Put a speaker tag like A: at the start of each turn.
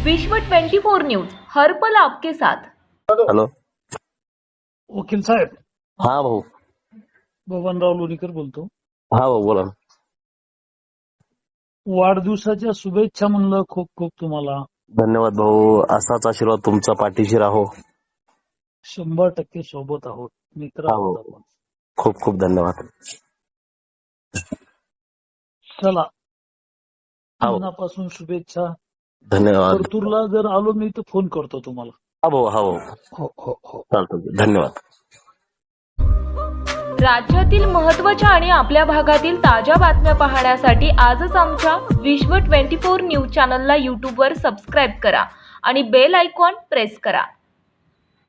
A: विश्व 24 न्यूज हर पल आपके साथ।
B: हॅलो,
C: वकील साहेब,
B: हा भाऊ.
C: बबनराव लोणीकर बोलतो.
B: हा भाऊ, बोला ना.
C: वाढदिवसाच्या शुभेच्छा म्हणलं खूप खूप तुम्हाला.
B: धन्यवाद भाऊ. असाच आशीर्वाद तुमचा पाठीशी राहो.
C: 100% सोबत आहोत, मित्र
B: हा
C: आहोत
B: भाऊ,
C: आपण.
B: खूप खूप धन्यवाद.
C: चला,
B: हा भाऊ,
C: मनापासून शुभेच्छा.
B: धन्यवाद.
C: परतूरला जर आलो मी तर फोन करतो तुम्हाला.
B: हा भाऊ, हा भाऊ,
C: हो हो हो.
B: चालतं. धन्यवाद.
A: राज्यातील महत्त्वाच्या आणि आपल्या भागातील ताज्या बातम्या पाहण्यासाठी आजच आमच्या विश्व 24 न्यूज चॅनलला यूट्यूबवर सबस्क्राईब करा आणि बेल आयकॉन प्रेस करा.